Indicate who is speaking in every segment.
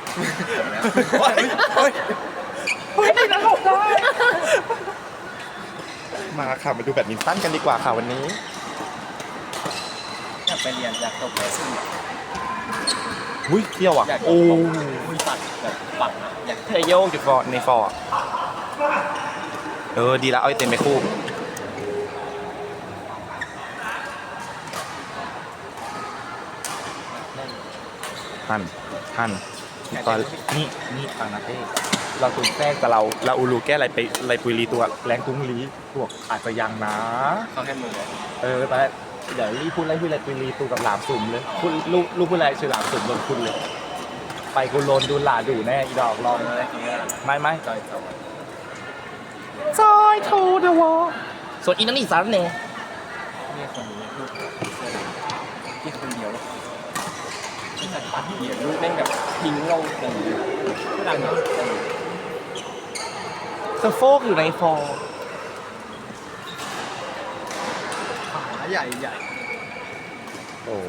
Speaker 1: เฮ้ยนั่นหลบได้มาค่ะมาดูแบดมินตันกันดีกว่าค่ะวันนี้
Speaker 2: อยากไปเรียนอยากจบเลยซึ่ง
Speaker 1: อุ้ยเที่ยวอ่ะโอ้
Speaker 2: ยปัดแบบปัดนะอยาก
Speaker 1: เทโยกอยู่ฟอร์ในฟอร์ดีแล้วเอาไอเต็มไปคู่ท่านตอนนี่ฟังนะเต้เราตุนแทรกแต่เราอูรูแก้อะไรปุยรีตัวแรงตุ้งลีพวกอาจจะยังนะ
Speaker 2: เขาให้มือ
Speaker 1: ไปเดี๋ยวรีพูดอะไรปุยรีตัวกับหลามสุ่มเลยพูดลูกพูดอะไรชื่อหลามสุ่มโดนคุณเลยไปกูโลนดูหลาดูแน่อีดอกลองเลยไม่จอยโทเดวอส่วนอีนั่นอีสานเนี่ย
Speaker 2: นี่คนนี้ลูกที่คนเดียวที่สัตว์ปัดเดียวลูกเล่นแบบทิ้งลงเลยผู้ดังเนาะ
Speaker 1: สโฟกอยู่ในฟอร์
Speaker 2: ขาใหญ่
Speaker 1: โอ้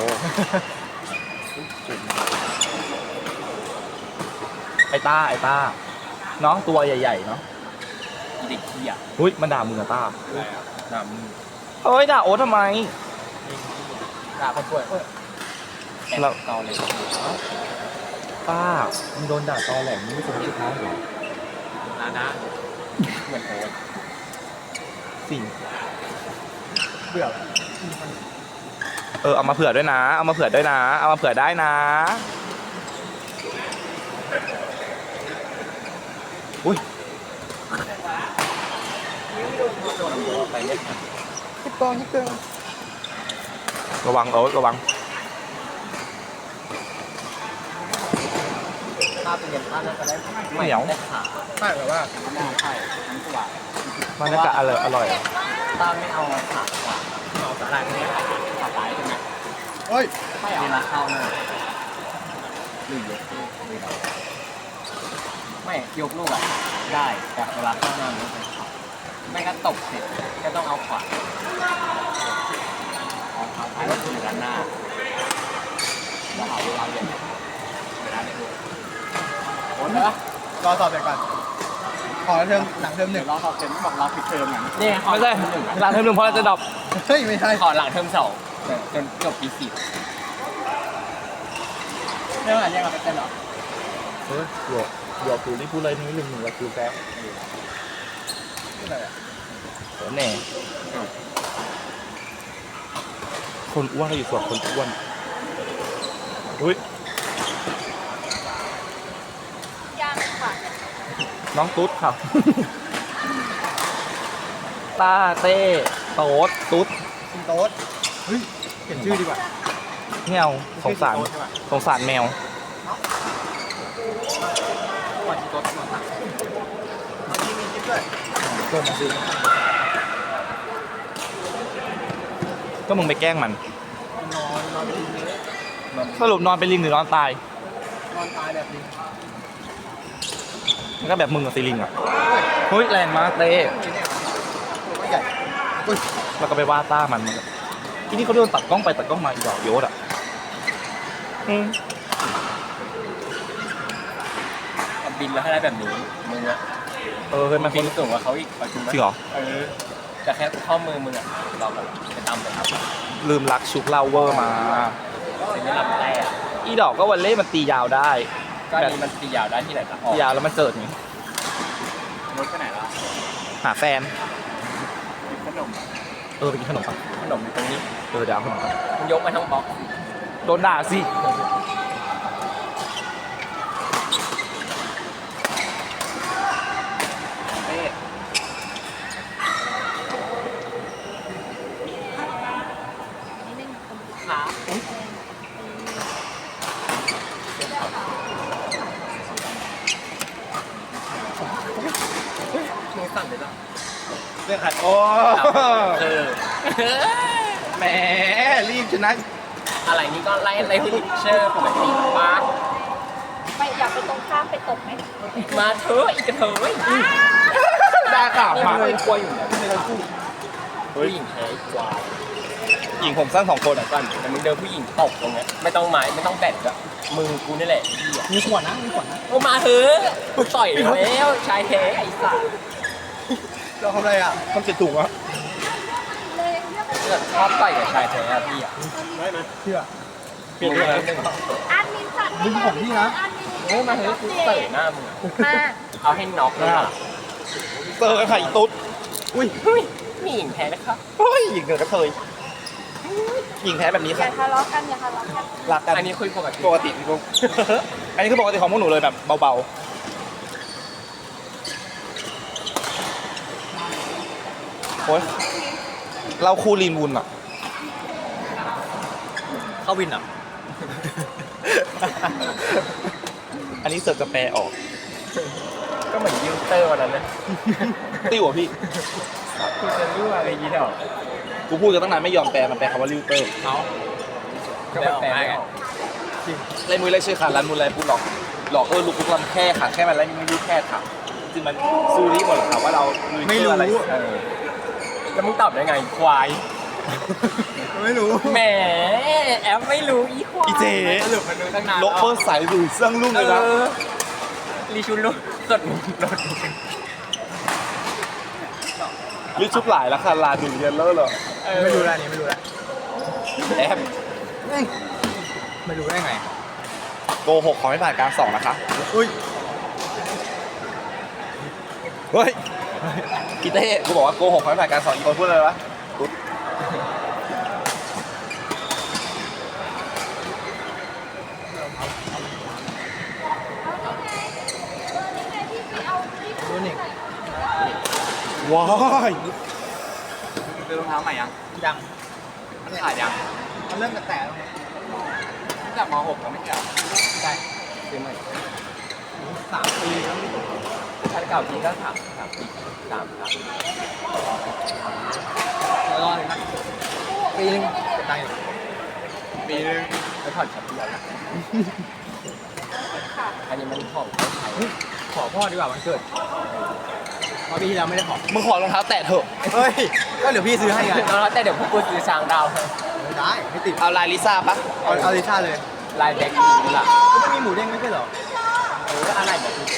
Speaker 1: ไอต้าเนาะตัวใหญ่ๆเนาะ
Speaker 2: เด็กขี้อ่ะ
Speaker 1: หุ้ยมันด่ามึงอะต้า
Speaker 2: ด่ามึง
Speaker 1: เฮ้ยด่าโอ๊ตทำไม
Speaker 2: ด่าคนป่วยเราตอเลย
Speaker 1: ป้ามึงโดนด่าตอแหลมมึงไม่สมสุดท้ายหรอ
Speaker 2: นะเหมือนโอ๊ต
Speaker 1: สิ่ง
Speaker 2: เบื่อ
Speaker 1: เอามาเผื่อด้วยนะเอามาเผื่อได้นะอุ้ย
Speaker 2: ไปเล่น
Speaker 1: ยิบกองระวังระวัง
Speaker 2: ถ้าเป็นยันท่าน่าจะได้
Speaker 1: ไม่เหนียว
Speaker 2: ใช่แบบว่าใช่ทั้งตัว
Speaker 1: มันน่าจะอร่อย
Speaker 2: ถ้าไม่เอาขาเอาสาหร่ายนี้ขาตายใช่ไหมเฮ้ยไม่เอาละเข้าหน้าหรือยกไม่ยกลูกอ่ะได้แต่เวลาเข้าหน้ามันไม่ก็ตบเสร็จก็ต้องเอาขวาเอาเท้าท้ายก็คือด้านหน้าแล้วเอาเวลาเย็นเวลาในตัวโอนนะรอสอบเสร็จก่อนขอเทอมหลังเทอมหนึ่งรอสอบเสร็จบอกเราปิดเทอมอย่างนี้
Speaker 1: ไม่ใช่หลังเทอมหนึ่งเพราะเราจะดรอป
Speaker 2: เฮ้ยไม่ใช่ขอหลังเทอมสองจนจบปีสี่เรื่องอะไรยังเราไปเป็นหรอ
Speaker 1: หยอกตูนี่พูดอะไรนิดนึงเราคือแป๊บแน่คนอ้วนก็อยู่ส่วนคนอ้วนอุ้ยน้องตุ๊ดครับตาเต้โต๊ดตุ๊ด
Speaker 2: เฮ้ยเปลี่ยนชื่อดีกว่า
Speaker 1: แมวสงสารแมว
Speaker 2: วันที่โต๊ดมาตักมีจิ๊บด้วย
Speaker 1: เกิดมาสิก็มึงไปแกล้งมัน
Speaker 2: นอน
Speaker 1: สรุปนอนเป็นลิงหรือนอนตาย
Speaker 2: แบบลิง
Speaker 1: มันก็แบบมึงกับซีลิงอ่ะเฮ้ยแรงมากเต้แล้วก็ไปว่าต้ามันทีนี้เขาโดนตัดกล้องไปตัดกล้องมาอีกดอกโยดอ่ะ
Speaker 2: บินแล้วให้ได้แบบนี้มึงอะ
Speaker 1: เคยมา
Speaker 2: บินสูงกว่าเขาอีกจริ
Speaker 1: งเหรอ
Speaker 2: แต่แค่ข้อมือมึงอะเราแบบไปตามเลยครับ
Speaker 1: ลืมรักชุกเล่าเวอร์มา
Speaker 2: สิ่งที่ลำได้อะ
Speaker 1: อีดอกก็วันเล่มันตียาวได้
Speaker 2: ก็นี่มันตียาวได้ที่ไหนล่ะ
Speaker 1: ตียาวแล้วมันเจิดไง
Speaker 2: รถไปไหนล่ะ
Speaker 1: หาแฟน
Speaker 2: ขนม
Speaker 1: ไปกินขนมปัง
Speaker 2: ขนมอยู่ตรงนี้
Speaker 1: เดี๋ยวขนมปัง
Speaker 2: ยกไปทั้งบล็อก
Speaker 1: โดนด่าสิ
Speaker 2: สั่นเลยล่ะ
Speaker 1: เรื่องขัดโอ้แหมรีบชนะ
Speaker 2: อะไรนี่ก็ไล่พิเชอร์ปกติมา
Speaker 3: ไปอยากไปตรงข้ามไปตกไหม
Speaker 2: มาเถอะอีกเถอะ
Speaker 1: ด่าข่าวมา
Speaker 2: เลยกลัวอยู่เนี่ยไม่ต้องพูดผู้หญิงแท้กว่า
Speaker 1: หญิงผมสั้น2 คน
Speaker 4: ก่อนแต่มึงเดินผู้หญิงตกตรงเนี้ยไม่ต้องไม้ไม่ต้องแบตอะมือกูนี่แหละ
Speaker 2: มีขวดนะมีขวดนะ
Speaker 4: โอ้มาเถอะกูต่อยแล้วชายแท้ไอ้สัส
Speaker 2: เราทำอะไรอ่ะ
Speaker 1: มันติดถุงวะ
Speaker 3: เลยเลือก
Speaker 4: ชอบต่อยกับชายแท้อะพี่อะ
Speaker 2: เชื่อ
Speaker 1: เปลี่ยนเรื่องแล้ว
Speaker 3: อันมินจัด
Speaker 2: ดึงผมพี่นะ
Speaker 3: อันมิน
Speaker 4: เฮ้ยมาเถอะกูเตะหน้ามึงอะ
Speaker 3: มา
Speaker 4: เอาให้น็อกเลยอะ
Speaker 1: เจอกันค่ะอีตุ๊ด
Speaker 4: อุ้ยเฮ้ยมีหญิงแท้นะครับ
Speaker 1: เฮ้ยหญิงเกิดกระเทยหญิงแท้แบบนี้
Speaker 3: อย่า
Speaker 1: ค่ะ
Speaker 3: ทะเลาะกันอย่าทะเลาะกัน
Speaker 1: รักกัน
Speaker 4: อันนี้คุยปกติ
Speaker 1: ปกติพี่ปุ๊ก อันนี้คือปกติของพวกหนูเลยแบบเบาๆโอ้ยเราคูลีนวุนอ่ะ
Speaker 2: เข้าวินอ่ะ
Speaker 1: อันนี้เสิร์ฟจะแปลออก
Speaker 4: ก็เหมือนยิวเตอร์วันนั้นนะ
Speaker 1: ติ้วอ่ะพี่
Speaker 4: กูจะรู้อะไรยี่ห้อ
Speaker 1: กูพูดกันตั้งนานไม่ยอมแปลมันแปลคำว่าลิวเตอร์
Speaker 4: ก็ไม่แปลไม่ออก
Speaker 1: เล่นมือเล่นชื่อค่ะรันมืออะไรพูดหลอกลูกปุ๊กลำแค่ค่ะแค่มันแล้วไม่รู้แค่ค่ะจริงมันซูริหมดค่ะว่าเราไม่รู้อะไร
Speaker 4: เออแล้วมึงตอบได้ไงควาย
Speaker 2: ไม่รู้
Speaker 4: แหมแอปไม่รู้อีควาย
Speaker 1: อีเจ
Speaker 4: สรุปมันรู้ตั้งนาน
Speaker 1: โลเปอร์สายดูเสื่องลุ่งเลยนะ
Speaker 4: รีชุนรู้สดมึงรถ
Speaker 1: ลิชุบหลายแล้วค่ะลาดูเรียนเลอร์เหรอ
Speaker 2: ไม่รู้แล้วนี่ไม่รู้แล้ว
Speaker 1: แอบ
Speaker 2: ไม่รู้ได้ไง
Speaker 1: โกหกขอให้ผ่านการสอบนะคะ
Speaker 2: อุ้ย
Speaker 1: เฮ้ยอีเต้กูบอกว่าโกหกขอให้ผ่านการสอบอีกคนพูดเลยวะตุ๊ด
Speaker 2: รู้นี่
Speaker 1: ว้าย
Speaker 4: ซื้อรองเท้าใหม่ยัง
Speaker 2: ยัง
Speaker 4: มันขาดยัง
Speaker 2: มันเริ่มแตะแล้ว
Speaker 4: ตั้งแต่ม .6 ก็ไม่แก่
Speaker 2: ใช่
Speaker 4: ซื้อใหม่
Speaker 2: 3 ปีแล้ว
Speaker 4: คันเก่าทีก็3 ปี3
Speaker 2: แล้วรอเลยนะปีนึงจะตายอยู่
Speaker 4: ปีนึงแล้วผ่อนชับเดียวนะอันนี้มันของคนไทย
Speaker 2: ขอพ่อดีกว่าวันเกิดเพราะปีที่แล้วไม่ได้ขอ
Speaker 1: มึงขอรองเท้าแตะเถอะ
Speaker 2: เฮ้ย ก็เดี๋ยวพี่ซื้อให้ไง
Speaker 4: แล้วแต่เดี๋ยวพวกกูซื้อช้างดาวให้
Speaker 2: ไม่ได้ไม่ติด
Speaker 1: เอาลายลิซ่าปะ
Speaker 2: เอาลิซ่าเลย
Speaker 4: ลายแบ็คอีล่ะ
Speaker 2: ก็ไม่มีหมูเด้งไม่ใช่เหรอ
Speaker 4: อะไรแบบนี้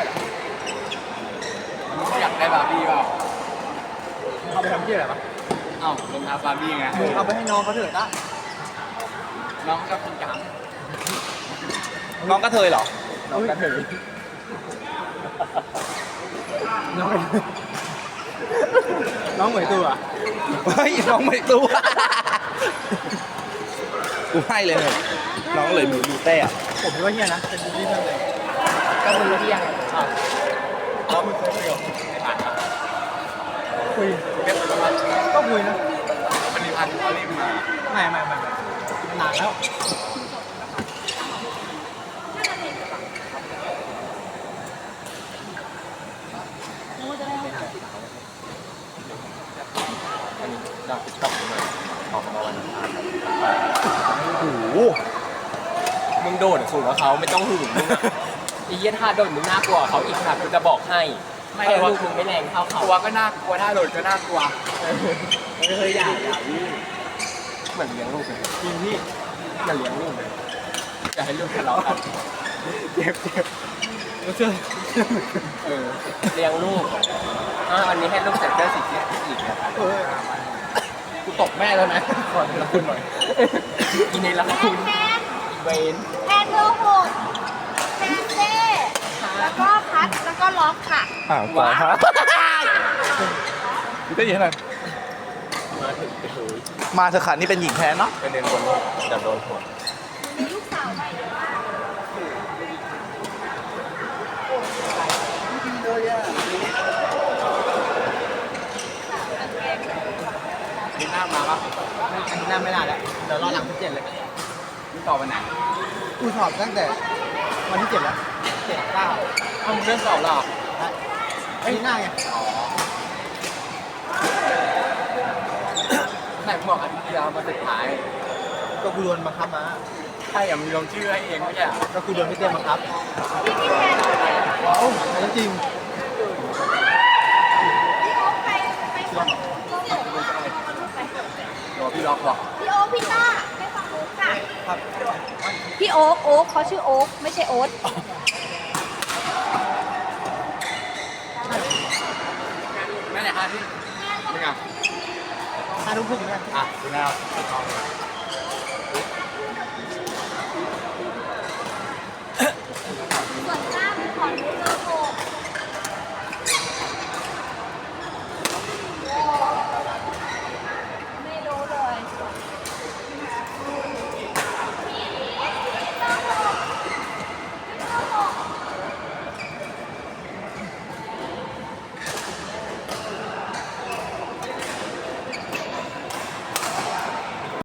Speaker 4: อยากได้บาร์บี้เปล่า
Speaker 2: เอาไปทำที่อะไรปะ
Speaker 4: เอ้ารองเท้าบาร์บี้ไง
Speaker 2: มึงเอาไปให้น้องเขาเถอะได้
Speaker 4: น้องชอบกินกาม
Speaker 1: น้องกระเทยเหรอ
Speaker 4: น้องกระเทย
Speaker 2: น้องน้องเหมยตัวอ่ะ
Speaker 1: เฮ้ยน้องไม่รู้ กูให้เลยเนี่ยน้องเลยดูเต้อะ
Speaker 2: ผมคิดว่าเฮียนะเป็นที่เพิ่มเลย
Speaker 4: ก็มึงรู้ที่ยังอ้าว
Speaker 2: แล้วมึงเคยคุยกับ
Speaker 4: ไม่ผ่านครับ
Speaker 2: คุย
Speaker 4: เรียบร้อย
Speaker 2: ก็คุยนะ
Speaker 4: มันมีพันเขารีบมา
Speaker 2: ไม่มันนานแล้ว
Speaker 4: อันนี้ดาวติ๊กต็อกมาออกมาวันอังคาร
Speaker 1: โอ้โห
Speaker 4: มึงโดดสูงกว่าเขาไม่ต้องหึงมึงอะไอ้เหี้ยท่าโดดมึงน่ากลัวกว่าเขาอีกค่ะกูจะบอกให้ไม่ลูกมึงไม่แรงเท่าเขา
Speaker 2: กลัวก็น่ากลัวถ้าโดดก็น่ากลัว
Speaker 4: เฮ้ยอย่าวิ่งเหมือนเลี้ยงลูกเลย
Speaker 2: จริงพี่
Speaker 4: เหมือนเลี้ยงลูกเลยอย่าให้ลูกทะเลาะกัน
Speaker 2: เจ็บแล้วเชื่อ
Speaker 4: เลี้ยงลูกวันนี้ให้ลูกใส่เสื้อสีเขียวอีกนะครับ
Speaker 2: เออ
Speaker 4: กูตกแม่แล้วนะขอละคุณหน่อยกินในละคุณเวน
Speaker 3: แทนเบอร์หกแทนเต้แล้วก็พัดแล้วก็ล็อกค่ะ
Speaker 1: อ่าต่อฮะพี่เต้ยินให้หน่อย
Speaker 4: มาถึงไปเลย
Speaker 1: มาเถอะค่ะนี่เป็นหญิงแท้เนาะ
Speaker 4: เป็นเดินบนจะโดนหัว
Speaker 3: มีลูกสาวใหม่เยอะมาก
Speaker 4: มีหน้ามาปะ
Speaker 2: อันนี้น่าไม่น่าแล้วเดี๋ยวรอหลังที่7เลย
Speaker 4: มึงต่อวันไหน
Speaker 2: กูสอบตั้งแต่วันที่7แล้ว7 9
Speaker 4: เอามึงเลื่อนสอบหรอ
Speaker 2: ไอ้ยหน้าไง
Speaker 4: ไหนมึงบอกอาทิตย์ที่แล้วมาสุดท้าย
Speaker 2: ก็กูโดนบังคับมา
Speaker 4: ใช่อย่ามึงลงชื่อให้เองไม่ใช่
Speaker 2: ก็กูโดนพี่เต้บังคับ
Speaker 3: พี่พี่แทนไป
Speaker 2: เอ้าอันนั้นจริง
Speaker 3: พี่โอ๊คไปก่อนต้องหลงไป
Speaker 4: รอพี่ล
Speaker 2: ล็อกบอก
Speaker 3: พี่โอ๊คพี่ต้าให้ฟังมุกค่ะ
Speaker 2: ครับ
Speaker 3: พี่โอ๊คเขาชื่อโอ๊คไม่ใช่โอ๊ต
Speaker 2: แม่ไหนคะพี่ไม่ไง5 ทุ่มครึ่งนะอ่ะดูแนว